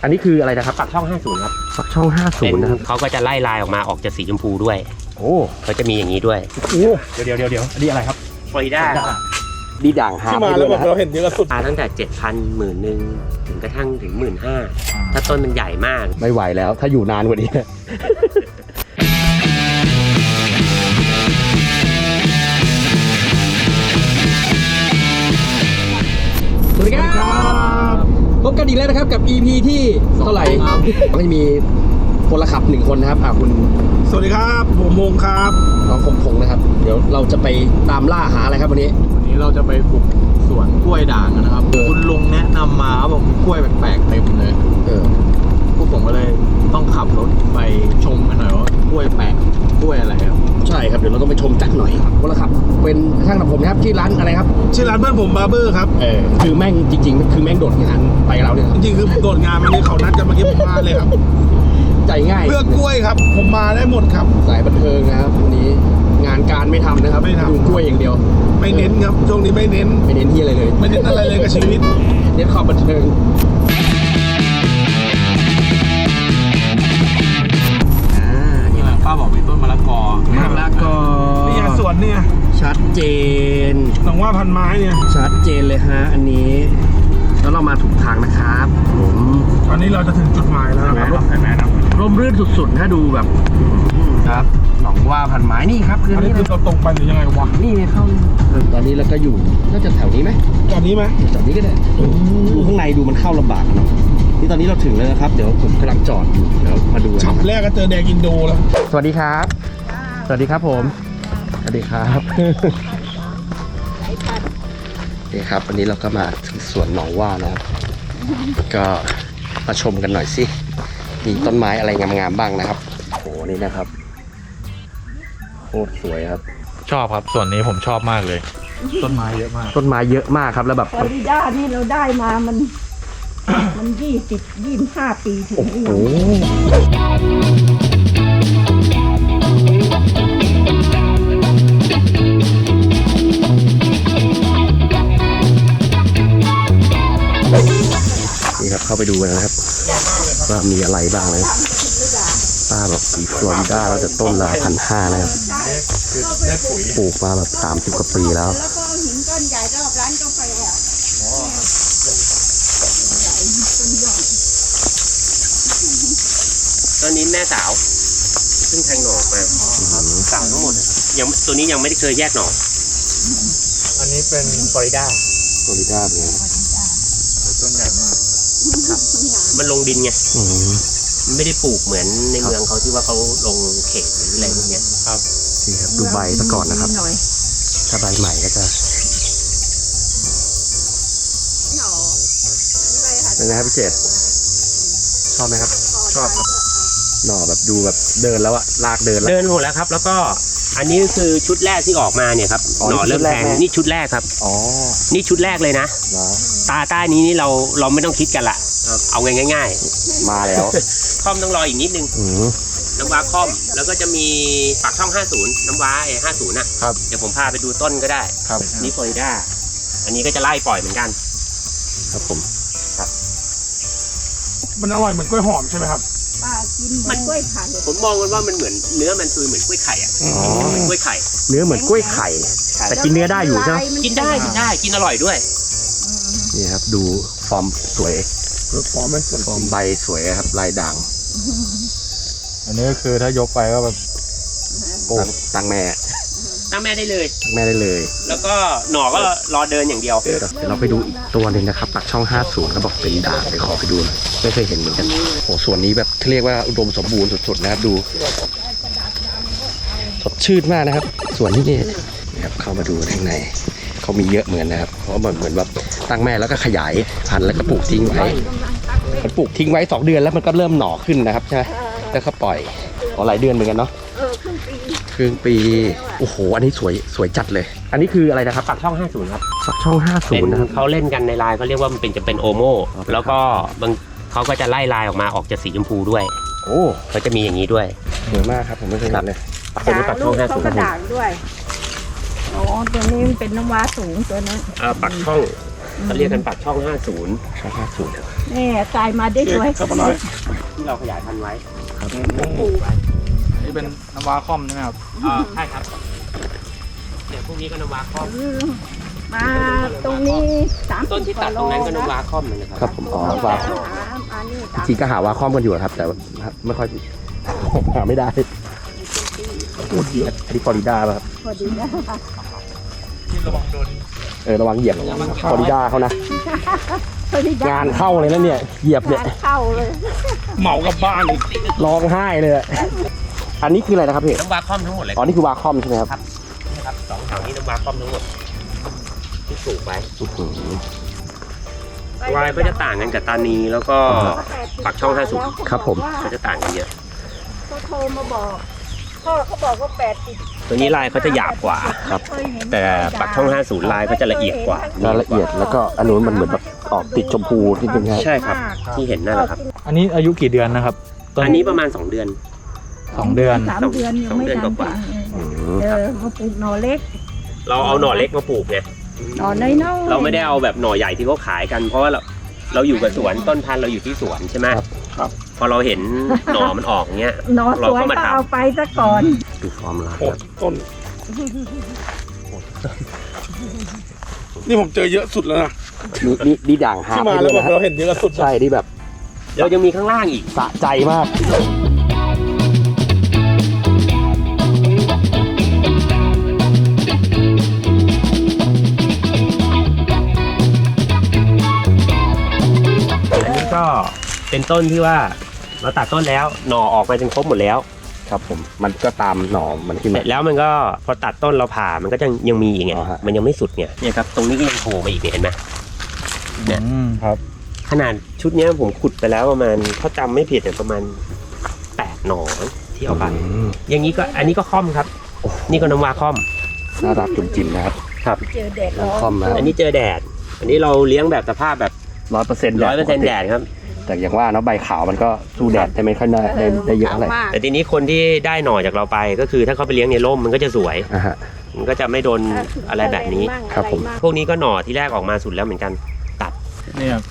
อันนี้คืออะไรนะครับปักช่อง50ครับปักช่อง50นะครับเขาก็จะไล่ลายออกมาออกจากสีชมพูด้วยโอ้เขาจะมีอย่างนี้ด้วยโอ้เดี๋ยวอันนี้อะไรครับฟลอริดาดีด่างหาที่มาแล้วแบบเราเห็นเยอะสุดตั้งแต่ 7,000 10,000ถึงกระทั่งถึง 15,000ถ้าต้นมันใหญ่มากไม่ไหวแล้วถ้าอยู่นานกว่านี้สวัสดีครับพบกันอีกแล้วนะครับกับ EP ที่เท่าไหร่ไม่มีพลขับ1คนนะครับคุณสวัสดีครับผมพงครับน้องพงนะครับเดี๋ยวเราจะไปตามล่าหาอะไรครับวันนี้เราจะไปบุกสวนกล้วยด่างนะครับคุณลุงแนะนำมาเขาบอกมีกล้วยแปลกๆเต็มเลยพวกผมก็เลยต้องขับรถไปชมกันหน่อยว่ากล้วยแปลกกล้วยอะไรครับใช่ครับเดี๋ยวเราต้องไปชมจักหน่อยพลขับเป็นช่างตัดผมนะครับที่ร้านอะไรครับชื่อร้านเพื่อนผมบาร์เบอร์ครับคือแม่งจริงๆคือแม่งโดดงานไปเราเนี่ยจริงๆคือโดดงานมาเนี่ยเขานัดกันเมื่อกี้ผมมาเลยครับใจง่ายเพื่อกล้วยครับผมมาได้หมดครับสายบันเทิงนะครับวันนี้งานการไม่ทำนะครับไม่ทำดูกล้วยอย่างเดียวไม่เน้นครับช่วงนี้ไม่เน้นที่อะไรเลยไม่เน้นอะไรเลยกับชีวิตเน้นความบันเทิงนี่แหละป้าบอกมีต้นมะละกอนี่สวนเนี่ยชัดเจนหนองว่าพันไม้เนี่ยชัดเจนเลยฮะอันนี้แล้วเรามาถูกทางนะครับผมตอนนี้เราจะถึงจุดหมายแล้วนะครับร่มรื่นสุดๆถ้าดูแบบครับหนองว่าพันไม้นี่ครับอันนี้คือเราตรงไปหรือยังไงวะนี่เข้าตอนนี้เราก็อยู่น่าจะแถวนี้ไหมจอดนี้ไหมจอดนี้ก็ได้ดูข้างในดูมันเข้าลำบากเนาะนี่ตอนนี้เราถึงแล้วนะครับเดี๋ยวผมกำลังจอดอยู่เดี๋ยวมาดูช็อปแรกก็เจอแดงอินโดแล้วสวัสดีครับสวัสดีครับผมสวัสดีครับนี่ครับวันนี้เราก็มาถึงสวนหนองว่านะครับก็มาชมกันหน่อยสิมีต้นไม้อะไรงามๆบ้างนะครับโอ้นี่นะครับโคตรสวยครับชอบครับส่วนนี้ผมชอบมากเลยต้นไม้เยอะมากครับแล้วแบบฟลอริดานี่เราได้มามัน25 ปีถึงนี่ครับเข้าไปดูกันนะครับว่ามีอะไรบ้างเลยป้าแบบสีฟลอริดาเราจะต้นละ1,500นะครับปลูกมาแบบ30 กว่าปีแล้วแล้วก็หินก้อนใหญ่รอบร้านกาแฟตอนนี้แม่สาวซึ่งแทงหน่อมาสาวทั้งหมดยังตัวนี้ยังไม่ได้เคยแยกหน่ออันนี้เป็นฟลอริดาเนี่ยต้นใหญ่มากมันลงดินไงไม่ได้ปลูกเหมือนในเมืองเขาที่ว่าเขาลงเขตหรืออะไรพวกนี้ครับนี่ครับดูใบซะก่อนนะครับถ้าใบใหม่ก็จะเป็นไงครับพี่เจษชอบไหมครับชอบครับหน่อแบบดูแบบเดินแล้วอะลากเดินหมดแล้วครับแล้วก็อันนี้คือชุดแรกที่ออกมาเนี่ยครับหน่อเริ่มแทงนี่ชุดแรกครับนี่ชุดแรกเลยนะตาใต้นี้นี่เราไม่ต้องคิดกันละเอาง่ายๆมาแล้วค่อมต้องรออีกนิดนึงน้ำว้าค่อมแล้วก็จะมีปากช่อง50น้ำว้า50นะครับเดี๋ยวผมพาไปดูต้นก็ได้ครับนี่ฟลอริดาอันนี้ก็จะไล่ปล่อยเหมือนกันครับผมครับมันอร่อยเหมือนกล้วยหอมใช่ไหมครับป้ากินมันกล้วยไข่ผมมองว่ามันเหมือนเนื้อมันคือเหมือนกล้วยไข่อ่ะเหมือนกล้วยไข่เนื้อเหมือนกล้วยไข่แต่กินเนื้อได้อยู่ใช่ไหมกินได้กินอร่อยด้วยนี่ครับดูฟอร์มสวยฟอร์มใบสวยครับลายด่างอันนี้ก็คือถ้ายกไปก็แบบตั้งแม่ได้เลยแล้วก็หน่อก็รอเดินอย่างเดียวเดี๋ยวเราไปดูอีกตัวนึงนะครับปักช่อง50ก็บอกเป็นด่างไปขอไปดูหน่อยไม่เคยเห็นเหมือนกันโอ้ส่วนนี้แบบเรียกว่าอุดมสมบูรณ์สุดๆนะครับดูสดชื่นมากนะครับส่วนที่นี่นะครับเข้ามาดูข้างในเขามีเยอะเหมือนนะครับเพราะเหมือนแบบตั้งแม่แล้วก็ขยายพันธุ์แล้วก็ปลูกทิ้งไว้มันปลูกทิ้งไว้2 เดือนแล้วมันก็เริ่มหน่อขึ้นนะครับใช่ไหมแล้วก็ปล่อยหลายเดือนเหมือนกันเนาะครึ่งปีโอ้โหอันนี้สวยจัดเลยอันนี้คืออะไรนะครับปักช่อง50ครับปักช่อง50นะครับเขาเล่นกันในไลน์เขาเรียกว่ามันเป็นโอโม่แล้วก็เขาก็จะไล่ลายออกมาออกจากสีชมพูด้วยโอ้เขาจะมีอย่างนี้ด้วยสวยมากครับผมไม่เคยเห็นเลยตัวนี้ปักช่อง50เขาก็ด่างด้วยอ๋อตัวนี้มันเป็นน้ำว้าสูงตัวนั้นปักช่องเขาเรียกกันปากช่อง 50 ช่อง50ครับนี่กลายมาได้ด้วยครับน้อยที่เราขยายพันธุ์ไว้ปลูกนี่เป็นน้ำว้าคอมใช่ไหมครับใช่ครับเนี่ยพวกนี้ก็นวาคอมมาตรงนี้30 ต้นที่ตัดตรงนั้นก็นวาคอมเลยนะครับครับผมอ๋อวาคอมอันนี้จริงๆก็หาวาคอมกันอยู่ครับ แต่ว่าไม่ค่อยหาไม่ได้อันนี้ฟลอริดาป่ะครับพอดีนะระวังโดนระวังเหยียบฟลอริดาเขานะพอดีงานเข้าเลยนะเนี่ยเหยียบเนี่ยงานเข้าเลยเหมากลับบ้านอีกร้องไห้เลยอะอันนี้คืออะไรนะครับพี่น้ำวาคอมทั้งหมดเลยอ๋อนี่คือวาคอมใช่ไหมครับนะครับสองแถวนี้น้ำวาคอมทั้งหมดที่ปลูกไว้อื้อหือลายก็จะต่างกันกับตานีแล้วก็ปากช่อง 50 ครับผมก็จะต่างกันเยอะเขาโทรมาบอกพ่อเขาบอกว่า80 ตัวนี้ลายเขาจะหยาบกว่าครับแต่ปากช่อง 50 ลายก็จะละเอียดกว่ารายละเอียดแล้วก็อันนู้นมันเหมือนแบบออกติดชมพูนิดนึงครับใช่ครับ ที่เห็นนั่นแหละครับอันนี้อายุกี่เดือนนะครับต้อันนี้ประมาณ 2 เดือน 2 เดือน 3 เดือนยังไม่ 2 เดือนทันกว่ามาปลูกหน่อเล็กเราเอาหน่อเล็กมาปลูกไงหน่อน้อยๆเราไม่ได้เอาแบบหน่อใหญ่ที่เขาขายกัน เพราะว่าเราอยู่กับสวนต้นพันธุ์เราอยู่ที่สวนใช่ไหมครับพอเราเห็นหน่อมันออกเงี้ยหน่อสวยก็เอาไปซะก่อนดูฟอร์มลายโอดต้น นี่ผมเจอเยอะสุดแล้วนะนี่ด่างหาที่บมาให้แล้ด้ววยแบบนะเราเห็นเยอะสุดใช่นี่แบบเรายังมีข้างล่างอีกสะใจมากอันนี้ก็เป็นต้นที่ว่าเราตัดต้นแล้วหน่อออกมาจนครบหมดแล้วครับผมมันก็ตามหน่อมันขึ้นเสมาร็จแล้วมันก็พอตัดต้นเราผ่ามันก็ยังมีอีกไงอ๋อฮะมันยังไม่สุดไงเนี่ยครับตรงนี้ก็ยังโผล่มาอีกเนี่ยเห็นไหม เนี่ยครับขนาดชุดเนี้ยผมขุดไปแล้วประมาณเขาจำไม่ผิดเนี่ยประมาณ8หน่อที่เอาไป อย่างนี้ก็อันนี้ก็ค่อมครับ นี่ก็น้ำวาค่อมน่ารักจุ่มจิ้มนะครับเจอแดดร้อนคอมนะอันนี้เจอแดด อันนี้เราเลี้ยงแบบสภาพแบบ 100% 100%แดดครับแต่อย่างว่าเนาะใบขาวมันก็สู้แดดได้ไม่ค่อยได้เยอะเท่าไหร่แต่ทีนี้คนที่ได้หน่อจากเราไปก็คือถ้าเขาไปเลี้ยงในร่มมันก็จะสวยอ่ะฮะมันก็จะไม่โดนอะไรแบบนี้ครับผมพวกนี้ก็หน่อที่แรกออกมาสุดแล้วเหมือนกัน ตัดนี่ครับ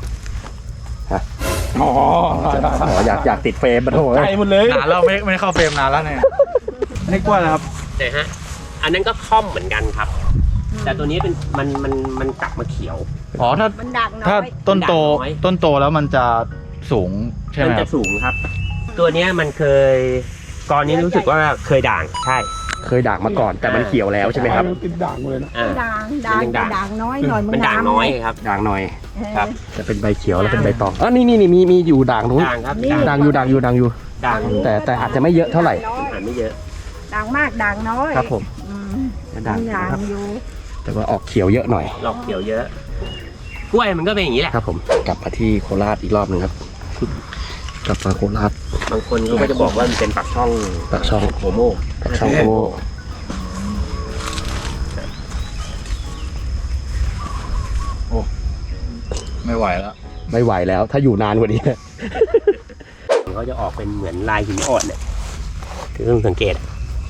อ๋ออยากติดเฟรมมาโถ่ใจหมดเลยนานแล้วไม่ได้เข้าเฟรมนานแล้วเนี่ยอันนี้กล้วยนะครับแต่ฮะ อันนั้นก็ค่อมเหมือนกันครับ แต่ตัวนี้เป็นมันกลับมาเขียวอ๋อถ้ามันดักน้ถ้าอยต้นโตน้อยต้นโตแล้วมันจะสูงใช่ไหมัมคจะรับสูงครับ ตัวเนี้ยมันเคยก่อนนี้รู้สึกว่าเคยด่างใช่เคยด่างมาก่อนแต่มันเขียวแล้วใช่ไหมครับติดด่างหมดเลยนะอ่าด่างมันยังด่างด่างน้อยหน่อยมันด่างน้อยครับด่างหน่อยครับจะเป็นใบเขียวแล้วเป็นใบตองอ๋อนี่มีอยู่ด่างนู้นด่างครับด่างอยู่ด่างแต่อาจจะไม่เยอะเท่าไหร่อ่านไม่เยอะด่างมากด่างน้อยครับผมอืมด่างด่างครับอยู่แต่ว่าออกเขียวเยอะหน่อยหลอกเขียวเยอะ กล้วยมันก็เป็นอย่างนี้แหละครับผมกลับมาที่โคราชอีกรอบหนึ่งครับ กลับมาโคราชบางคนเขาก็จะบอกว่ามันเป็นปากช่องปากช่องโฮโมปากช่องโอ้ไม่ไหวแล้วไม่ไหวแล้ว ถ้าอยู่นานกว่านี้เขาจะออกเป็นเหมือนลายหินอ่อนเนี่ยคือต้องสังเกต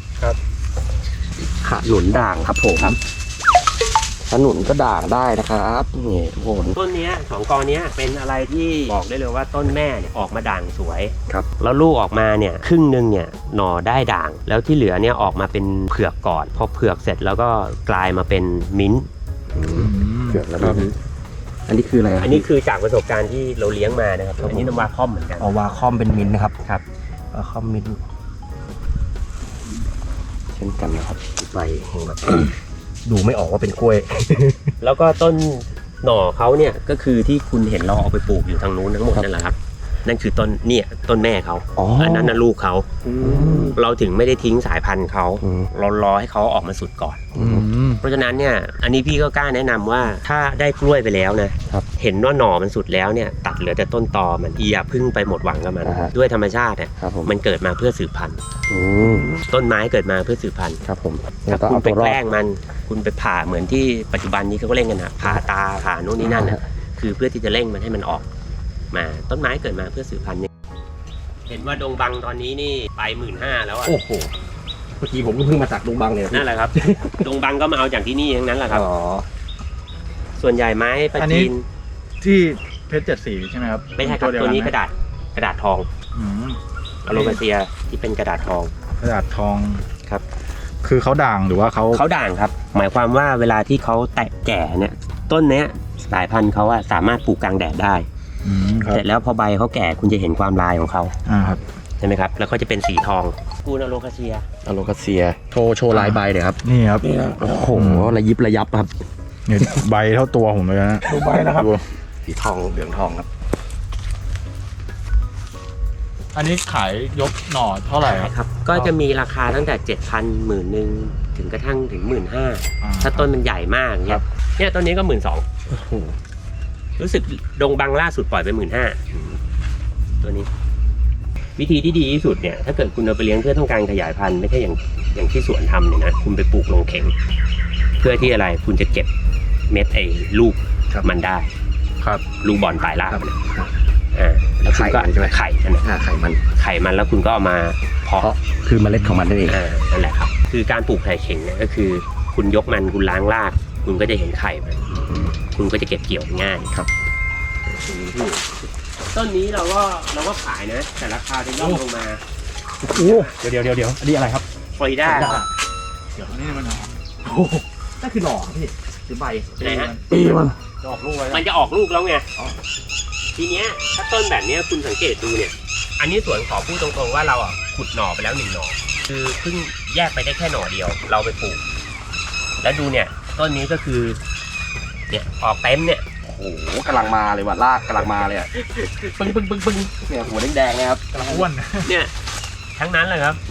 ขนุนด่างครับผมขนุนก็ด่างได้นะครับนี่ทุกคนต้นเนี้ยสองกอเนี้ยเป็นอะไรที่บอกได้เลยว่าต้นแม่เนี่ยออกมาด่างสวยครับแล้วลูกออกมาเนี่ยครึ่งหนึงเนี่ยหน่อได้ด่าง แล้วที่เหลือเนี่ยออกมาเป็นเผือกก่อนพอเผือกเสร็จแล้วก็กลายมาเป็นมิ้นท์เกือบแล้วนะอันนี้คืออะไรอันนี้คือจากประสบการณ์ที่เราเลี้ยงมานะครับอันนี้น้ำวาคอมเหมือนกันเอาวาคอมเป็นมินท์นะครับครับวาคอมมินท์เช่นกันนะครับใบแห่งแบบ ดูไม่ออกว่าเป็นกล้วยแล้วก็ต้นหน่อเขาเนี่ยก็คือที่คุณเห็นเราเอาไปปลูกอยู่ทางนู้นทั้งหมดนั่นแหละครับ นั่นคือต้นเนี่ยต้นแม่เขาอ๋ออัอันนั้นน่ะลูกเขาเราถึงไม่ได้ทิ้งสายพันธุ์เขาอืมเรารอให้เขาออกมาสุดก่อนอืมเพราะฉะนั้นเนี่ยอันนี้พี่ก็กล้าแนะนำว่าถ้าได้กล้วยไปแล้วนะครับ เห็นว่าหน่อมันสุดแล้วเนี่ยตัดเหลือแต่ต้นตอมันอย่าเพึ่งไปหมดหวังกับมันอ่าฮะด้วยธรรมชาติเนี่ยครับผมมันเกิดมาเพื่อสืบพันธุ์อืมต้นไม้เกิดมาเพื่อสืบพันธุ์ครับผมถ้าต้องคุณเอาไปตัวรอแกดล้งมันคุณไปผ่าเหมือนที่ปัจจุบันนี้เขาก็เล่นกันนะผ่าตาผ่าโน่นนี่นั่นอ่าน่ะฮะคือเพื่อที่จะเร่งมันให้มันออกมาต้นไม้เกิดมาเพื่อสืบพันธุ์เนี่ยเห็นว่าดงบังตอนนี้นี่ไป15,000แล้วอ่ะโอ้โหเมื่อกี้ผมก็เพิ่งมาจากดงบังเลยนั่นแหละครับ ดงบังก็มาเอาจากที่นี่ทั้งนั้นแหละครับอ๋อส่วนใหญ่ไม้ปลาอันนี้จีนที่เพชร7 สีใช่ไหมครับไม่ใช่ครับเดียตัวนี้ไหมกระดาษทองอืมอโลคาเซียที่เป็นกระดาษทองกระดาษทองครับคือเขาด่างหรือว่าเขาเขาด่างครับ หมายความว่าเวลาที่เขาแตกแก่เนี่ยต้นเนี้ยสายพันธุ์เขาอะสามารถปลูกกลางแดดได้ครับเสร็จแล้วพอใบเขาแก่คุณจะเห็นความลายของเขาครับใช่ไหมครับแล้วก็จะเป็นสีทองกูนอโลคาเซียอโลคาเซียโชว์ลายใบเลยครับนี่ครับโอ้โหระยิบระยับครับนี่ใบเท่าตัวผมเลยนะดูใบนะครับดูสีทองเหลืองทองครับอันนี้ขายยกหน่อเท่าไหร่ครับครับก็จะมีราคาตั้งแต่ 7,000 10,000ถึงกระทั่งถึง 15,000ถ้าต้นมันใหญ่มากเนี่ยเนี่ยต้นนี้ก็ 12,000รู้สึกดงบังล่าสุดปล่อยไป 15,000ตัวนี้ วิธีที่ดีที่สุดเนี่ยถ้าเกิดคุณเอาไปเลี้ยงเพื่อต้องการขยายพันธุ์ไม่ใช่อย่างที่สวนทำเนี่ยนะคุณไปปลูกลงเข่งเพื่อที่อะไรคุณจะเก็บเม็ดไอ้ลูกมันได้ครับลูกบอลปลายรากครับมันแล้วคุณก็ไข่มันใช่ไหมไข่นั่นแหละไข่มันไข่มันแล้วคุณก็เอามาเพาะเพราะคือเมล็ดของมันนั่นเองนั่นแหละครับคือการปลูกไข่เข่งเนี่ยก็คือคุณยกมันคุณล้างราก คุณก็จะเห็นไข่มันคุณก็จะเก็บเกี่ยวง่ายครับต้นนี้เราก็ขายนะ แต่ราคาจะย่อมลงมาโอ้เดี๋ยวอันนี้อะไรครับฟลอริดาเดี๋ยวนี่มันนั่นคือหน่อพี่หรือใบไหนฮะมันจะออกลูกไว้มันจะออกลูกแล้วไงทีเนี้ยถ้าต้นแบบเนี้ยคุณสังเกตดูเนี่ย อันนี้สวนขอพูดตรงๆว่าเราอ่ะขุดหน่อไปแล้ว1 หน่อคือเพิ่งแยกไปได้แค่หน่อเดียว เราไปปลูก แล้วดูเนี่ย ต้นนี้ก็คือ เนี่ยออกเต็มเนี่ยโอ้โหกำลังมาเลยว่ะรากกำลังมาเลยอ่ะปึ้งเนี่ยหัวแดงๆนะครับกำลังอ้วนเนี่ยทั้งนั้นเลยครับ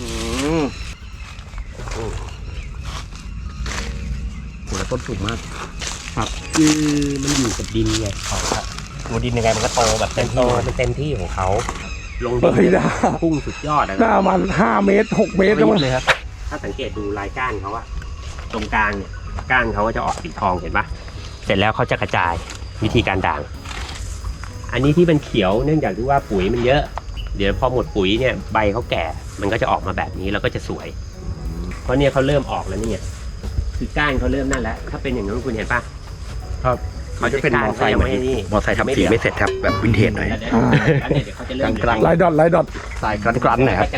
หัวต้นสูงมากครับคือมันอยู่กับดินไงตัวดินยังไงมันก็โตแบบเต็มที่มันเต็มที่ของเขาลงดินพุ่งสุดยอดนะหน้ามัน5 เมตร 6 เมตรแล้วมั้งเลยครับ ถ้าสังเกตดูลายก้านเขาอะตรงกลางเนี่ยก้านเขาก็จะออกสีทองเห็นปะเสร็จแล้วเขาจะกระจายวิธีการด่าง อันนี้ที่เป็นเขียวเนื่องจากที่ว่าปุ๋ยมันเยอะ เดี๋ยวพอหมดปุ๋ยเนี่ยใบเขาแก่มันก็จะออกมาแบบนี้แล้วก็จะสวย เพราะเนี่ยเขาเริ่มออกแล้วนี่คือก้านเขาเริ่มนั่นแล้วถ้าเป็นอย่างนั้นคุณเห็นปะครับมันจะเป็นมอไซค์เหมือนมอไซค์ทำสีไม่เสร็จครับแบบวินเทจหน่อยแล้วเดี๋ยวเขาจะเริ่มกลางลายดอทลายดอทสายกรันๆหน่อยครับ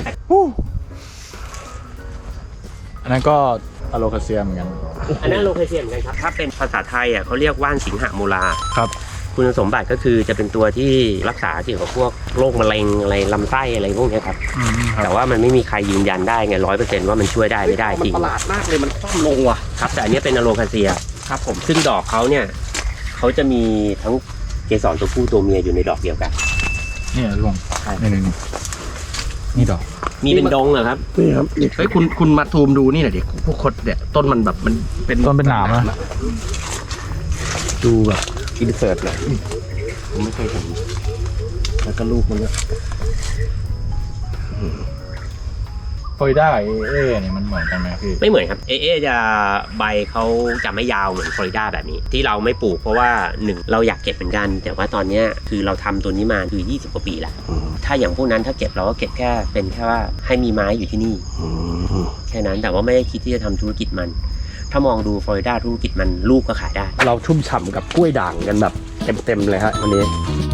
อันนั้นก็อะโลคาเซียเหมือนกันอันนั้นโลเคชั่นเหมือนกันครับถ้าเป็นภาษาไทยอ่ะเขาเรียกว่านสิงหโมลาครับคุณสมบัติก็คือจะเป็นตัวที่รักษาเกี่ยวกับพวกโรคมะเร็งอะไรลำไส้อะไรพวกนี้ครับ แต่ว่ามันไม่มีใครยืนยันได้ไง100%ว่ามันช่วยได้ไม่ได้จริงมันประหลาดมากเลยมันคว่ำลงว่ะครับแต่อันนี้เป็นอะโลคาเซียครับผมซึ่งดอกเขาเนี่ยเขาจะมีทั้งเกสรตัวผู้ตัวเมียอยู่ในดอกเดียวกันนี่ลงนี่นี่ดอกมีเป็นดงเหรอครับนี่ครับนี่เฮ้ยคุณมาซูมดูนี่หน่อยดิพวกคดเนี่ยต้นมันแบบมันเป็นต้นเป็นหนามนะดูแบบอินเสิร์ตเลยผมไม่เคยเห็นแล้วก็ลูกมันก็ฟลอริดากับเอเนี่ยมันเหมือนกันไหมพี่ไม่เหมือนครับเอจะใบเขาจะไม่ยาวเหมือนฟลอริดาแบบนี้ ที่เราไม่ปลูกเพราะว่า1เราอยากเก็บเหมือนกัน แต่ว่าตอนเนี้ยคือเราทำตัวนี้มาคือ20 กว่าปีแล้วถ้าอย่างพวกนั้นถ้าเก็บเราก็เก็บแค่เป็นแค่ว่าให้มีไม้อยู่ที่นี่แค่นั้นแต่ว่าไม่ได้คิดที่จะทำธุรกิจมัน ถ้ามองดูฟลอริดาธุรกิจมันลูกก็ขายได้เราชุ่มฉ่ำกับกล้วยด่างกันแบบเต็มๆเลยฮะวันนี้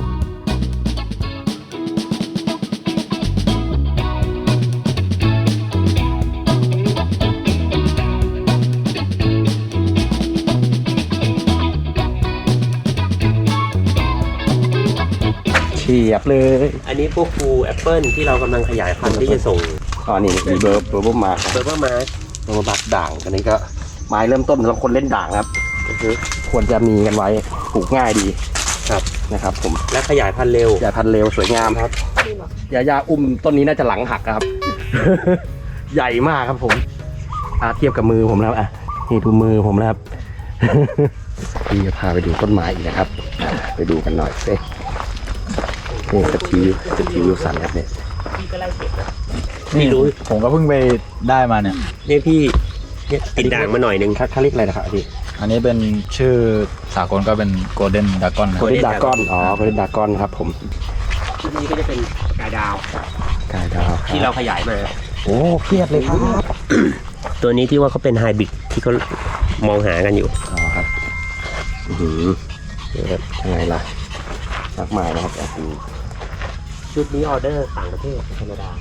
เฉียบเลยอันนี้พวกฟูแอปเปิลที่เรากำลังขยายพันธุ์ที่จะส่งอ๋อนี่มีเบอร์มาเบอร์เบอร์มาเบอร์มาด่างอันนี้ก็ไม้เริ่มต้นสำหรับคนเล่นด่างครับควรจะมีกันไว้ปลูกง่ายดีครับนะครับผมและขยายพันธุ์เร็วยาพันธุ์เร็วสวยงามครับยาอุ้มต้นนี้น่าจะหลังหักครับ ใหญ่มากครับผมเทียบกับมือผมแล้วนี่ดูมือผมนะครับ พี่จะพาไปดูต้นไม้อีกนะครับไปดูกันหน่อยสินี่สตีวิลสันครับเนี่ยพี่ก็ไล่เก็บนะนี่พี่รู้ผมก็เพิ่งไปได้มาเนี่ยเนี่ยพี่เนี่ยติดด่างมาหน่อยนึงเขาเรียกอะไรนะครับพี่อันนี้เป็นชื่อสากลก็เป็นโกลเด้นดากอนนะโกลเด้นดากอนโกลเด้นดากอนครับผมที่นี่ก็จะเป็นกายดาวกายดาวที่เราขยายมาโอ้เครียดเลยครับตัวนี้ที่ว่าเขาเป็นไฮบริดที่เขามองหากันอยู่อ๋อครับเดี๋ยวยังไงล่ะมากมายนะครับชุดนี้ออเดอร์ต่างประเทศแคนาดา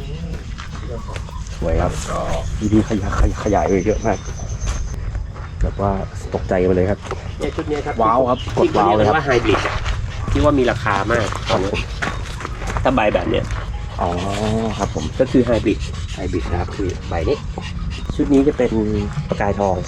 สวยครับดีขยายเยอะมากแบบว่าตกใจไปเลยครับเนี่ยชุดนี้ครับว้าวครับกดว้าวเลยครับที่ว่าไฮบริดที่ว่ามีราคามากตอนนี้ถ้าใบแบบเนี้ยอ๋อครับผมก็คือไฮบริดไฮบริดนะครับคือใบนี้ชุดนี้จะเป็นประกายทอง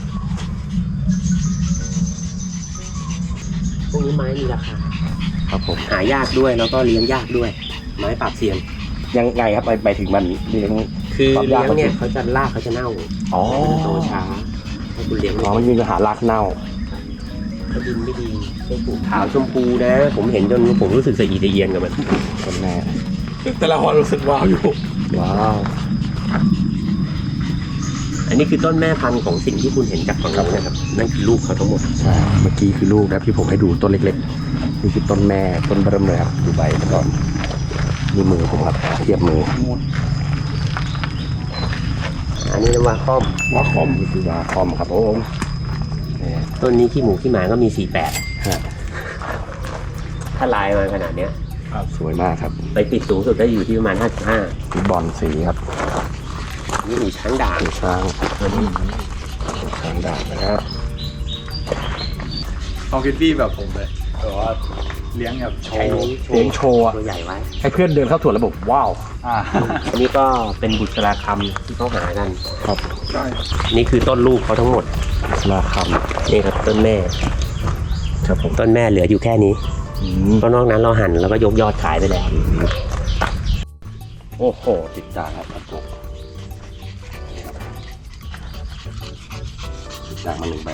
พวกนี้ไม้มีราคาครับผมหายากด้วยแล้วก็เลี้ยงยากด้วย ไม้ปราบเซียนยังไงครับไปถึงมันเลี้ยงคือความเลี้ยาย กงเนี่ยเขาจะรากเขาจะเน่าอ๋อโตช้าถ้าคุณเลี้ยงอ๋อมันมีปัญหารากเน่าถ้าดินไม่ดีต้นปลูกขาวชมพูนะ ผมเห็นจนผมรู้สึกสะอีสะเอียนกับมันต้นแม่แต่ละคนรู้สึกว้าวอยู่ว้าวอันนี้คือต้นแม่พันธุ์ของสิ่งที่คุณเห็นจากฝั่งนู้นนะครับนั่นคือลูกเขาทั้งหมดใช่เมื่อกี้คือลูกนะที่ผมให้ดูต้นเล็กๆนี่คือต้นแม่ต้นเบิ่มเลยครับดูใบก่อนนี่มือผมครับเทียบมืออันนี้วาคอมวาคอมนี่คือวาคอมครับผมต้นนี้ขี้หมูขี้หมาก็มีฮะ 48ถ้าลายมาขนาดเนี้ยสวยมากครับไปปิดสูงสุดได้อยู่ที่ประมาณคือบอลสีครับ 55นี่หมูช้างด่างช้างช้างด่างนะครับเอาคิดพี่แบบผมเลยแต่ว่าเลี้ยงแบบโชใช้ว์นี้เลี้ยงโชว์อะตัวใหญ่ไว้ให้เพื่อนเดินเข้าสวนระบบว้าวอันนี้ก็เป็นบุษราคำที่เขาหากันครับใช่นี่คือต้นลูกเขาทั้งหมดราคนี่ครับต้นแม่ำครับผมต้นแม่เหลืออยู่แค่นี้อืมเพราะนอกนั้นเราหั่นแล้วก็ยกยอดขายไปแล้วโอ้โหติดจานครับผมนี่ครับติดจานมา1 ใบ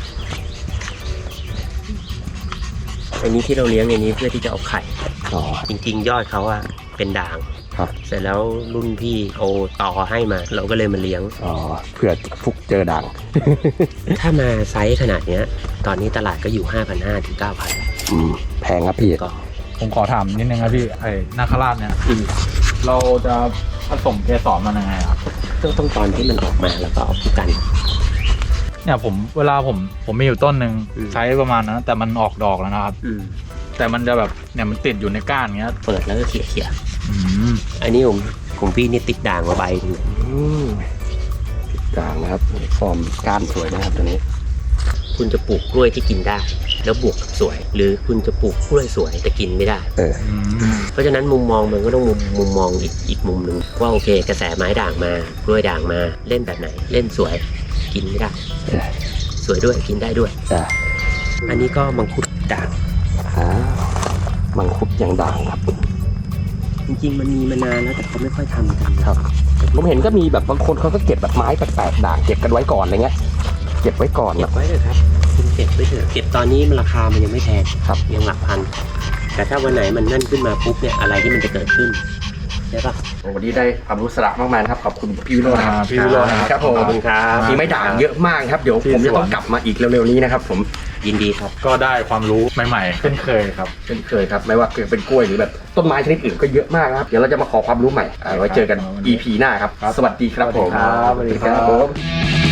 อันนี้ที่เราเลี้ยงในนี้เพื่อที่จะเอาไข่อ๋อจริงๆ ยอดเขาอะเป็นด่างครับเสร็จแล้วรุ่นพี่โอต่อให้มา เราก็เลยมาเลี้ยงอ๋อเผื่อฟุกเจอด่างถ้ามาไซส์ขนาดเนี้ย ตอนนี้ตลาดก็อยู่ 5,500 ถึง 9,000 อืมแพงครับพี่ก็ผมขอถามนิดนึงครับพี่ไอ้นาคราชเนี่ยเราจะผสมเกสรมันยังไงครับต้องตอนที่มันออกมาแล้วก็เอาคู่กันเนี่ยเวลาผมมีอยู่ต้นหนึ่งอืมใช้ประมาณนั้นแต่มันออกดอกแล้วนะครับ แต่มันจะแบบเนี่ยมันติดอยู่ในก้านอย่างเงี้ยเปิดแล้วก็เขี่ยอืมๆอันนี้ผมพี่นี่ติดด่างมาใบหนึ่งอืมติดด่างนะครับฟอร์มก้านสวยนะครับตัวนี้คุณจะปลูกกล้วยที่กินได้ แล้วบวกกับสวย หรือคุณจะปลูกกล้วยสวยแต่กินไม่ได้เออเพราะฉะนั้นมุมมองมันก็ต้องมุมมองอีกมุมหนึ่งว่าโอเค กระแสไม้ด่างมากล้วยด่างมาเล่นแบบไหน เล่นสวยกินไม่ได้ สวยด้วยกินได้ด้วยจ้ะอันนี้ก็มังคุดด่างมังคุดยังด่างครับจริงๆมันมีมานานแล้วแต่เขาไม่ค่อยทำกันครับผมเห็นก็มีแบบบางคนเขาก็เก็บแบบไม้แปลกๆด่างเก็บกันไว้ก่อนอะไรเงี้ยเก็บไว้ก่อนเก็แบบ บไว้เลยครับคุณเก็บไว้เถอะเก็บตอนนี้มันราคามันยังไม่แพงครับยังหลักพัน แต่ถ้าวันไหนมันนั่นขึ้นมาปุ๊บเนี่ยอะไรที่มันจะเกิดขึ้นใช่ปะวันนี้ได้ความรู้สาระมากมายนะครับขอบคุณพี่วิโรจน์นะครับพี่วิโรจน์นะครับครับผมขอบคุณครับมีไม้ด่างเยอะมากครับเดี๋ยวผมจะต้องกลับมาอีกเร็วๆนี้นะครับผมยินดีครับก็ได้ความรู้ใหม่ๆเช่นเคยครับเช่นเคยครับไม่ว่าเป็นกล้วยหรือแบบต้นไม้ชนิดอื่นก็เยอะมากนะครับเดี๋ยวเราจะมาขอความรู้ใหม่ไว้เจอกัน EP หน้าครับสวัสดีครับผมสวัสดีครับผม